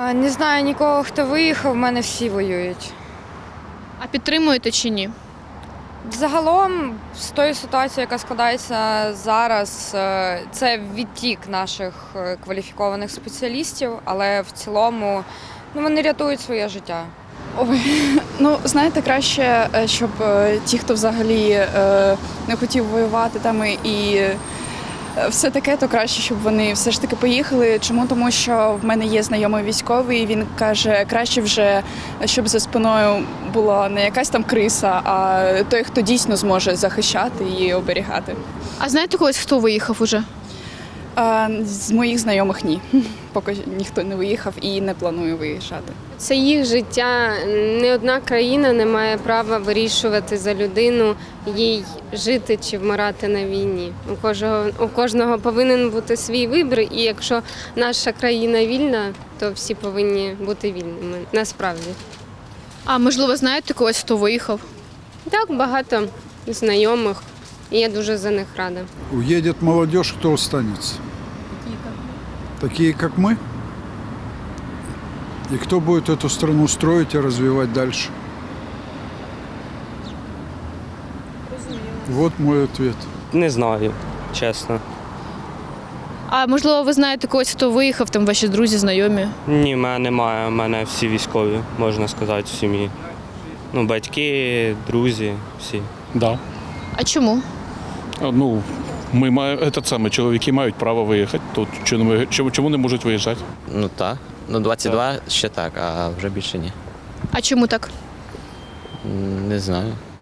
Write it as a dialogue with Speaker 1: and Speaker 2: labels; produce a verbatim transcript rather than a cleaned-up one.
Speaker 1: Не знаю нікого, хто виїхав, в мене всі воюють.
Speaker 2: А підтримуєте чи ні?
Speaker 1: Загалом, з тої ситуації, яка складається зараз, е, це відтік наших е, кваліфікованих спеціалістів, але в цілому ну, вони рятують своє життя.
Speaker 3: Ой, ну знаєте, краще, е, щоб е, ті, хто взагалі е, не хотів воювати там і е, все таке, то краще, щоб вони все ж таки поїхали. Чому? Тому що в мене є знайомий військовий, і він каже, краще вже, щоб за спиною була не якась там криса, а той, хто дійсно зможе захищати і оберігати.
Speaker 2: А знаєте когось, хто виїхав уже?
Speaker 3: А з моїх знайомих ні. Поки ніхто не виїхав і не планує виїжджати.
Speaker 4: Це їх життя. Ні одна країна не має права вирішувати за людину, їй жити чи вмирати на війні. У кожного, у кожного повинен бути свій вибір, і якщо наша країна вільна, то всі повинні бути вільними, насправді.
Speaker 2: А можливо, знаєте когось, хто виїхав?
Speaker 4: Так, багато знайомих, і я дуже за них рада.
Speaker 5: Уедет молодежь, кто останется? Такие, как мы? И кто будет эту страну строить и развивать дальше? Вот мой ответ.
Speaker 6: Не знаю, чесно.
Speaker 2: А можливо, ви знаєте когось, хто виїхав, там ваші друзі, знайомі?
Speaker 6: Ні, в мене немає. У мене всі військові, можна сказати, в сім'ї. Ну, батьки, друзі, всі.
Speaker 7: Да.
Speaker 2: А чому?
Speaker 7: Ну, ми маємо, этот самий, чоловіки мають право виїхати. Тут чому, чому, чому не можуть виїжджати?
Speaker 8: Ну так. Ну двадцять два ще так, а вже більше ні.
Speaker 2: А чому так?
Speaker 8: М, Не знаю.